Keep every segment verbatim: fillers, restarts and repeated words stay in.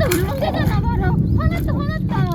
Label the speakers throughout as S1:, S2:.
S1: 울렁대잖아 봐라. 화났다 화났다.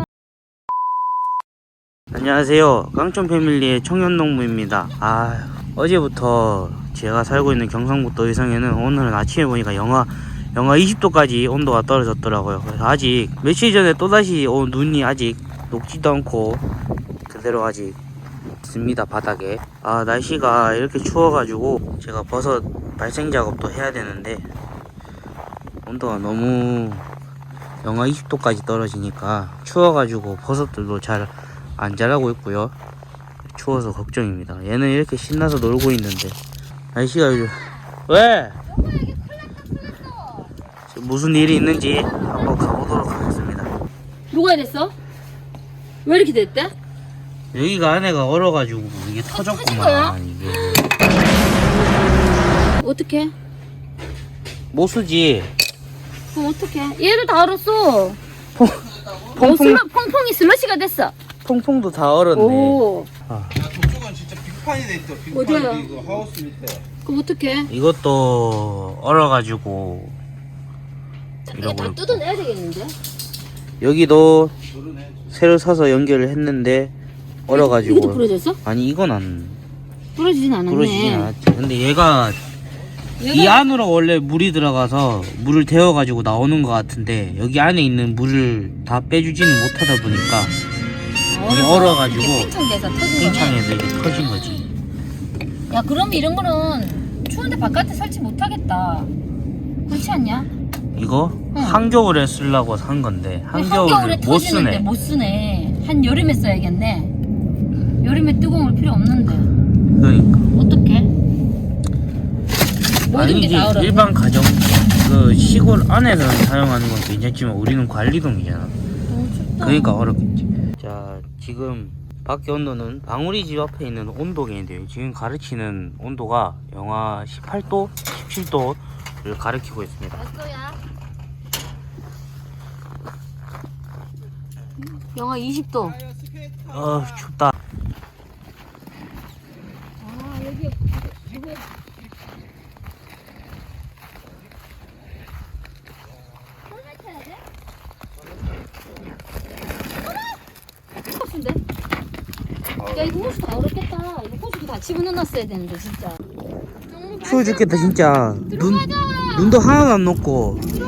S2: 안녕하세요. 깡촌 패밀리의 청년농부입니다. 아, 어제부터 제가 살고 있는 경상북도 의성에는 오늘은 아침에 보니까 영하 영하 이십 도까지 온도가 떨어졌더라고요. 그래서 아직 며칠 전에 또다시 온 눈이 아직 녹지도 않고 그대로 아직 있습니다, 바닥에. 아, 날씨가 이렇게 추워가지고 제가 버섯 발생 작업도 해야 되는데 온도가 너무 영하 이십 도까지 떨어지니까 추워가지고 버섯들도 잘 안 자라고 있고요. 추워서 걱정입니다. 얘는 이렇게 신나서 놀고 있는데 날씨가 요즘 왜? 무슨 일이 있는지 한번 가보도록 하겠습니다.
S1: 누가 이랬어? 왜 이렇게 됐대?
S2: 여기가 안에가 얼어가지고 이게
S1: 터진 거야?
S2: 터졌구만. 이게
S1: 어떡해?
S2: 못 쓰지.
S1: 그럼 어떡해? 얘도 다 얼었어.
S2: 퐁,
S1: 어,
S2: 퐁퐁,
S1: 슬러, 퐁퐁이 슬러시가 됐어.
S2: 퐁퐁도 다 얼었네.
S1: 오.
S2: 아,
S3: 저쪽은 진짜 빙판이 돼 있어.
S1: 어디야?
S3: 빙판 이거 하우스 밑에.
S1: 그럼 어떡해?
S2: 이것도 얼어가지고
S1: 이거
S2: 이러고
S1: 다
S2: 있고.
S1: 뜯어내야 되겠는데?
S2: 여기도
S3: 그러네.
S2: 새로 사서 연결을 했는데 얼어가지고.
S1: 이것도 부러졌어?
S2: 아니, 이건 안
S1: 부러지진 않았네.
S2: 부러지진 않았지. 근데 얘가 이
S1: 얘가
S2: 안으로 원래 물이 들어가서 물을 데워가지고 나오는 것 같은데 여기 안에 있는 물을 다 빼주지는 못하다 보니까 이게 얼어가지고
S1: 팽창돼서 터진 거네.
S2: 팽창해서 이게 터진 거지.
S1: 야, 그럼 이런 거는 추운데 바깥에 설치 못 하겠다. 그렇지 않냐?
S2: 이거
S1: 응.
S2: 한겨울에 쓰려고 산 건데 한겨울에
S1: 한겨울에
S2: 못
S1: 터지는데
S2: 쓰네.
S1: 못 쓰네. 한 여름에 써야겠네. 여름에 뜨거운 물 필요 없는데.
S2: 그러니까
S1: 어떡해? 모든 게
S2: 아니지,
S1: 다 얼어.
S2: 일반 가정 그 시골 안에서 사용하는 건 괜찮지만 우리는 관리동이잖아.
S1: 너무 춥다.
S2: 그러니까 어렵겠지. 자, 지금 밖에 온도는 방울이 집 앞에 있는 온도계인데요. 지금 가르치는 온도가 영하 십팔 도, 십칠 도를 가리키고 있습니다.
S1: 몇 도야? 영하 이십 도.
S2: 어, 춥다.
S1: 아, 여기 누구? 호수인데? 야, 이거 호수 다 얼었겠다. 이거 호수도 다 집어넣어놨어야 되는데 진짜.
S2: 추워 죽겠다 진짜. 눈, 눈도 하나도 안 녹고.